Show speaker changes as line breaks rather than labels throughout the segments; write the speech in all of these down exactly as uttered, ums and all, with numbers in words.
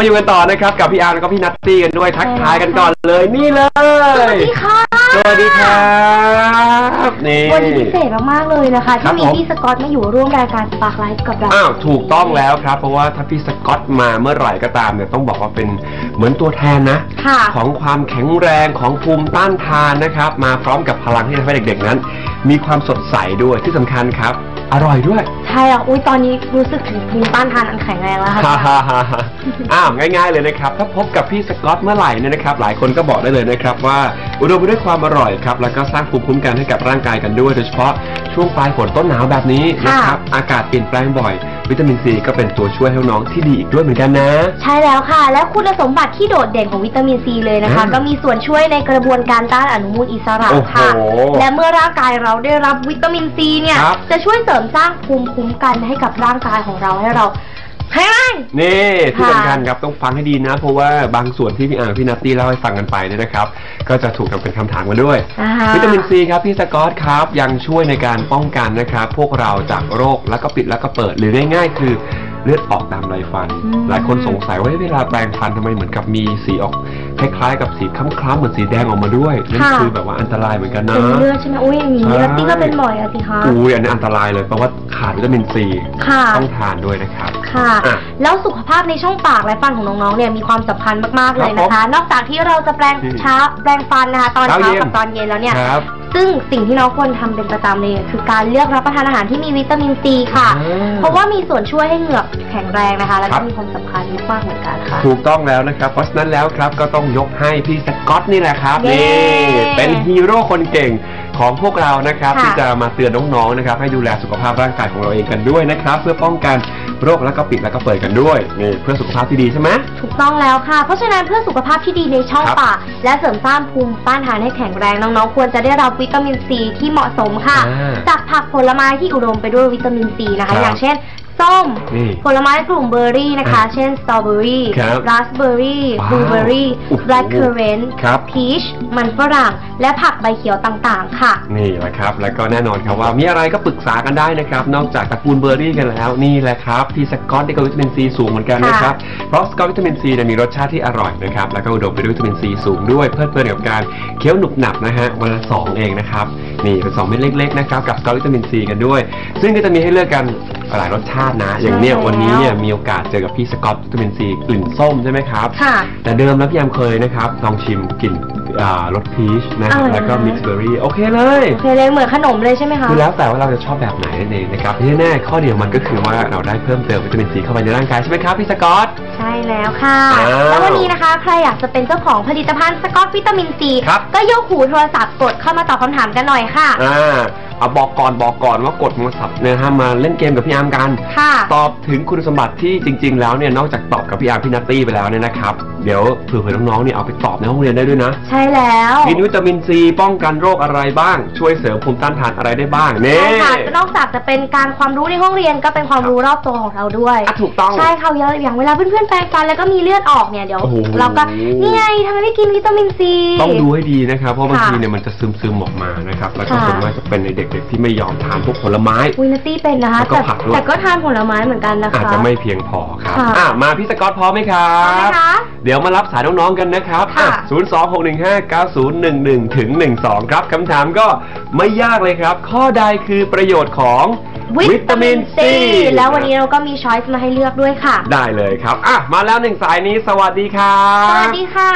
มาอยู่กันต่อนะครับกับพี่อาร์แล้วก็พี่นัตตี้กันด้วยทักทายกันก่อนเลยนี่เลยสวัสดีค่ะสวัสดีครับนี่
วันนี้พิเศษมากๆเลยนะคะที่มีพี่สกอตมาอยู่ร่วมรายการสปาร์คไลฟ์กับเรา
อ้าวถูกต้องแล้วครับเพราะว่าถ้าพี่สกอตมาเมื่อไหร่ก็ตามเนี่ยต้องบอกว่าเป็นเหมือนตัวแทนนะของความแข็งแรงของภูมิต้านทานนะครับมาพร้อมกับพลังที่ทำให้เด็กๆนั้นมีความสดใสด้วยที่สำคัญครับอร่อยด้วย
ใช่อ่ะอุ้ยตอนนี้รู้สึกถึงภูมิต้านทานอันแข็งแรงแล้วค่ะ
อ้าวง่ายๆเลยนะครับถ้าพบกับพี่สกอตเมื่อไหร่เนี่ยนะครับหลายคนก็บอกได้เลยนะครับว่าอุดมไปด้วยความอร่อยครับแล้วก็สร้างภูมิคุ้มกันให้กับร่างกายกันด้วยโดยเฉพาะช่วงปลายฝนต้นหนาวแบบนี้นะครับอากาศเปลี่ยนแปลงบ่อยวิตามินซีก็เป็นตัวช่วยให้น้องที่ดีอีกด้วยเหมือนกันนะ
ใช่แล้วค่ะแล้วคุณสมบัติที่โดดเด่นของวิตามินซีเลยนะคะก็มีส่วนช่วยในกระบวนการต้านอนุมูลอิสระค่ะและเมื่อร่างกายเราได้รับวิตามินซีเนี่ยจะช่วยเสริมสร้างภูมิคุ้มกันให้กับร่างกายของเราให้เราแห้ง
นี่ที่สำคัญครับต้องฟังให้ดีนะเพราะว่าบางส่วนที่พี่อ่างพี่นัตตี้เล่าให้ฟังกันไปเนี่ยนะครับก็จะถูกนำเป็นคำถามมาด้วยวิตามินซีครับพี่สกอตครับยังช่วยในการป้องกันนะครับพวกเราจากโรคแล้วก็ปิดแล้วก็เปิดหรือง่ายๆคือเลือดออกตามไรฟันหลายคนสงสัยว่าเวลาแปรงฟันทำไมเหมือนกับมีสีออกคล้ายๆกับสีคล้ำๆเหมือนสีแดงออกมาด้วยนั่นคือแบบว่าอันตรายเหมือนกันนะ
เป็นเลือดใช่ไหมอุ้ยอย่างนี้นัตตี้ก็เป็นบ่อยอะสิคะ
อุ้ยอันนี้อันตรายเลยเพราะว่าขาดวิตามินซีต้องทานด้วยนะครับ
ค่ะแล้วสุขภาพในช่องปากและฟันของน้องๆเนี่ยมีความสำคัญมากๆเลยนะคะนอกจากที่เราจะแปรงเช้าแปรงฟันนะคะตอนเช้ากับตอนเย็นแล้วเนี่ยซึ่งสิ่งที่น้องควรทำเป็นประจำเลยคือการเลือกรับประทานอาหารที่มีวิตามินซีค่ะเพราะว่ามีส่วนช่วยให้เหงือกแข็งแรงนะคะและก็มีความสำคัญมากๆเหมือนกันค่ะ
ถูกต้องแล้วนะครับเพราะฉะนั้นแล้วครับก็ต้องยกให้พี่สกอตนี่แหละครับนี่เป็นฮีโร่คนเก่งของพวกเรานะครับที่จะมาเตือนน้องๆนะครับให้ดูแลสุขภาพร่างกายของเราเองกันด้วยนะครับเพื่อป้องกันโรคแล้วก็ปิดแล้วก็เปิดกันด้วยนี่เพื่อสุขภาพที่ดีใช่ไหม
ถูกต้องแล้วค่ะเพราะฉะนั้นเพื่อสุขภาพที่ดีในช่องปากและเสริมสร้างภูมิต้านทานให้แข็งแรงน้องๆควรจะได้รับวิตามินซีที่เหมาะสมค่ะจากผักผลไม้ที่อุดมไปด้วยวิตามินซีนะคะอย่างเช่นส้มผลไม้กลุ่มเบอร์รี่นะคะเช่นสตรอเบอรี่ราสเบอร์รี่บลูเบอร์รี่แบล็คเคอร์เรนต์พีชมันฝรั่งและผักใบเขียวต่างๆค่ะ
นี่แหละครับแล้วก็แน่นอนครับว่ามีอะไรก็ปรึกษากันได้นะครับนอกจากตระกูลเบอร์รี่กันแล้วนี่แหละครับพี่สกอตได้กับวิตามินซีสูงเหมือนกันนะครับเพราะสกอตวิตามินซีมีรสชาติที่อร่อยนะครับแล้วก็อุดมไปด้วยวิตามินซีสูงด้วยเพลิดเพลินกับการเคี้ยวหนุบหนับนะฮะวันละสองเองนะครับนี่เป็นสองเม็ดเล็กๆนะครับกับสกอตวิตามินซีกันด้วยซึ่งก็จะมีให้เลือกกันหลายรสชาตินะอย่างเนี้ยวันนี้เนี่ยมีโอกาสเจอกับพี่สกอตวิตามินซีกลิ่นส้มใช่ไหมครับค่ะแต่เดิมแล้วพี่ยามเคยนะครับลองชิมกลิ่นรสพีชนะแล้วก็มิกซ์เบอร์รี่โอเคเลย
โอเคเลยเหมือนขนมเลยใช่ไหมคะ
คือแล้วแต่ว่าเราจะชอบแบบไหนนั่นเองนะครับที่แน่ข้อเดียวมันก็คือว่าเราได้เพิ่มเติมวิตามินซีเข้าไปในร่างกายใช่ไหมครับพี่สกอต
ใช่แล้วค่ะแล้ววันนี้นะคะใครอยากจะเป็นเจ้าของผลิตภัณฑ์สกอตวิตามินซีก็ยกหูโทรศัพท์กดเข้ามาตอบคำถามกันหน่อยค่ะ
อ่าเอาบอกก่อนบอกก่อนว่ากดโทรศัพท์เนี่ยฮะมาเล่นเกมกับพี่อาร์มกันตอบถึงคุณสมบัติที่จริงๆแล้วเนี่ยนอกจากตอบกับพี่อาร์มพี่นัตตี้ไปแล้วเนี่ยนะครับเดี๋ยวเผื่อๆน้องๆเนี่ยเอาไปตอบในห้องเรียนได้ด้วยนะ
ใช่แล้ว
กินวิตามินซีป้องกันโรคอะไรบ้างช่วยเสริมภูมิต้านทานอะไรได้บ้าง
เนี่ยใช่ค่ะนอกจากจะเป็นการความรู้ในห้องเรียนก็เป็นความรู้รอบตัวของเราด้วย
ถูกต้อง
ใช่ค่ะอย่างเวลาเพื่อนๆแปรงฟันแล้วก็มีเลือดออกเนี่ยเดี๋ยวเราก็นี่ไงทำไมไม่กินวิตามินซี
ต้องดูให้ดีนะครับเพราะบางทีเนี่ยมันจะซึมๆออกมานะครับแล้วก็ส่วนมากจะเป็นในเด็กๆที่ไม่ยอมทานพวกผลไม้
วินัตตี้เป็นนะคะแต่แต่ก็ทานผลไม้เหมือนกันนะคะ
อาจจะไม่เพียงพอครับอ่ะมาพี่สกอตพร้อมไหมครับเดี๋ยวมารับสายน้องๆกันนะครับศูนย์ สอง หก หนึ่ง ห้า เก้า ศูนย์ หนึ่ง หนึ่ง ถึง หนึ่ง สองครับคำถามก็ไม่ยากเลยครับข้อใดคือประโยชน์ของวิตามินซี
แล้ววันนี้เราก็มีช้อยส์มาให้เลือกด้วยค่ะ
ได้เลยครับอ่ะมาแล้วหนึ่งสายนี้สวัสดีครับ
สวัสดีค่ะ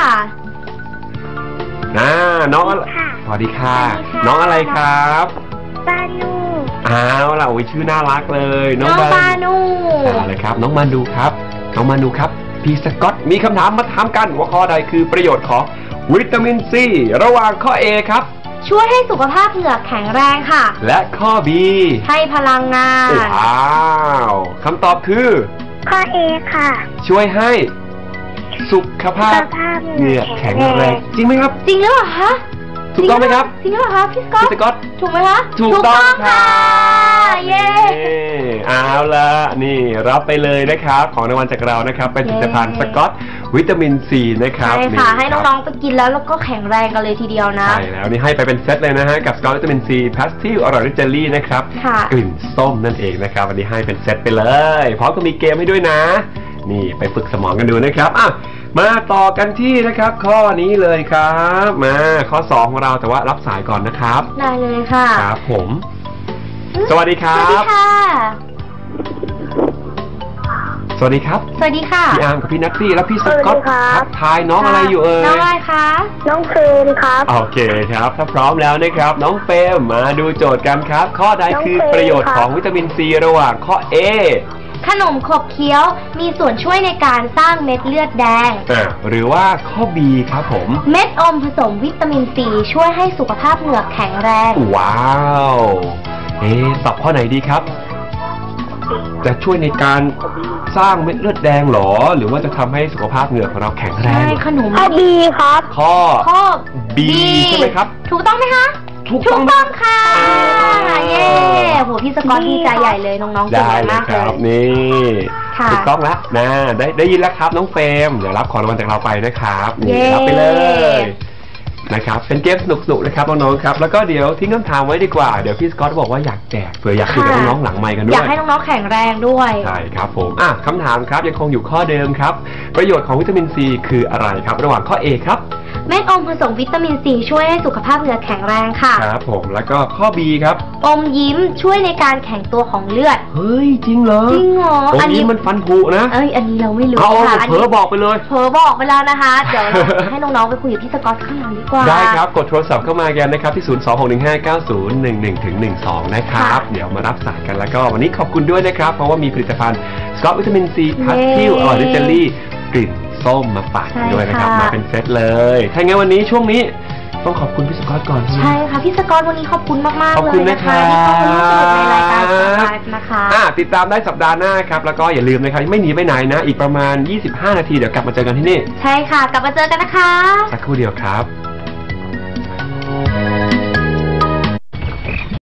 นะน้องสวัสดีค่ะน้องอะไรครับ
บานู
อ้าวล่ะโอ้ยชื่อน่ารักเลย
น้องบานู
อะไรครับน้องมานูครับน้องมานูครับพี่สกอตมีคำถามมาถามกันว่าข้อใดคือประโยชน์ของวิตามินซีระหว่างข้อ A ครับ
ช่วยให้สุขภาพเหงือกแข็งแรงค่ะ
และข้อ B
ให้พลังงาน
ว้าวคำตอบคือ
ข้อ A ค่ะ
ช่วยให้สุขภาพเหงือกแข็งแรงจริงไหมครับ
จริงหรือเปล่าคะ
ถูกต้องไหมครับ
จริงหรือเปล่าคะพี่สกอต
พี่สกอต
ถูกไหมคะ
ถูกต้องค่ะ
เย้
เอาละนี่รับไปเลยนะครับของรางวัลจากเรานะครับเป็นผลิตภัณฑ์สกอตวิตามินซีนะครับ
ใช่ค่ะให้น้องๆไปกินแล้วแล้วก็แข็งแรงกันเลยทีเดียวนะ
ใช่แล้วนี่ให้ไปเป็นเซตเลยนะฮะกับสกอตวิตามินซีพาสติลอร่อยด้วยเจลลี่นะครับกลิ่นส้มนั่นเองนะครับวันนี้ให้เป็นเซตไปเลยพร้อมกับมีเกมให้ด้วยนะนี่ไปฝึกสมองกันดูนะครับอ่ะมาต่อกันที่นะครับข้อนี้เลยครับมาข้อสองของเราแต่ว่ารับสายก่อนนะครับ
ได้เลยค่ะ
ครับผมสวัสดีครั
สวัสดี
บ
ค่ะ
สวัสดีครับ
สวัสดีค่ะ
พี่อาร์มกับพี่นัตตี้แล้วพี่สกอต
สวัสดีครับ
ทักทายน้องอะไรอยู่เอ่ย
น้องอะไรคะ
น้องเฟรนครับ
โอเคครับถ้าพร้อมแล้วนะครับน้องเฟรมมาดูโจทย์กันครับ ข้อใด
น้อง
คือ
เฟรม
ประโยชน์
ครับ
ของวิตามินซีระหว่างข้อ A
ขนมขบเคี้ยวมีส่วนช่วยในการสร้างเม็ดเลือดแดง
อ่ะหรือว่าข้อ B ครับผม
เม็ดอมผสมวิตามินซีช่วยให้สุขภาพเหงือกแข็งแรง
ว้าวเอ๊ะตอบข้อไหนดีครับ จะช่วยในการสร้างเม็ดเลือดแดงหรอ หรือว่าจะทำให้สุขภาพเหงือกของเราแข็งแร
ใช่
ง
ขนม
ข้อบีครับ
ข้อ
ข้อ
B ใช่ไหมครับ
ถูกต้องไหมคะ
ถูก
ถู
ต้อก ง
ต้องค่ะ
อ่า
เย้โหพี่สกอตดีใจใหญ่เลยน้องๆเก่ง
ได้เลย
มาก
ค
เล
รับ
ย
นี่
ค่ะ
ถูกต้องแล้วนะได้ได้ยินแล้วครับน้องเฟรมเดี๋ยวรับของรางวัลจากเราไปนะครับนี่
เย้
รับไปเลยนะครับเป็นเกมสนุกๆนะครับน้องๆครับแล้วก็เดี๋ยวทิ้งคำถามไว้ดีกว่าเดี๋ยวพี่สกอตบอกว่าอยากแจกเผื่ออยากคุยกับน้องๆหลังไมค์กันด้
อ
วย
ยากให้น้องๆแข็งแรงด้วย
ใช่ครับผมอ่ะคำถามครับยังคงอยู่ข้อเดิมครับ ประโยชน์ของวิตามินซีคืออะไรครับ ระหว่างข้อ A ครับ
เม็ดอมผสมวิตามินซีช่วยให้สุขภาพเหงือกแข็งแรงค่ะ
ครับผมแล้วก็ข้อ B ครับ
อมยิ้มช่วยในการแข็งตัวของเลือด
เฮ้ยจริงเหรอ
จริงเหรอ
ตร
อั
ง
น
นี้
นี้
มันฟันผุนะ
เอ้ยอันนี้เราไม่รู้
เอา
ค่ะอัน
เผล
นี้
อบอกไปเลย
เผลอบอกไปแล้วนะคะ เดี๋ยวเรา ให้น้องๆไปคุยกับพี่สกอตข้างหลังดีกว่า
ได้ครับกดโทรศัพท์เข้ามากันนะครับที่ ศูนย์ สอง หก หนึ่ง ห้า เก้า ศูนย์ หนึ่ง หนึ่ง ถึง หนึ่ง สอง นะครับ
ค่ะ
เดี๋ยวมารับสายกันแล้วก็วันนี้ขอบคุณด้วยนะครับ เพราะว่ามีผลิตภัณฑ์สกอตวิตามินซีพัททิลอร่อยด้วยเจลลี่กลิ่นส้มมาฝากกันด้วยนะครับ มาเป็นเซตเลย ถ้างั้นวันนี้ช่วงนี้ต้องขอบคุณพี่สกอตก่อน
ใช่ค่ะพี่สกอตวันนี้ขอบคุณมากๆ
ขอบ
เล
คุณ
ย
นะ
นะ
ครั
คะ
บ
ที่เข้ามาร่วมสนุกในรายการของเรานะคะ
อ่ะติดตามได้สัปดาห์หน้าครับ แล้วก็อย่าลืมนะครับไม่หนีไปไหนนะ อีกประมาณ ยี่สิบห้า นาทีเดี๋ยวกลับมาเจอกันที่นี่
ใช่ค่ะ กลับมาเจอกันนะคะ
สักครู่เดียวครับ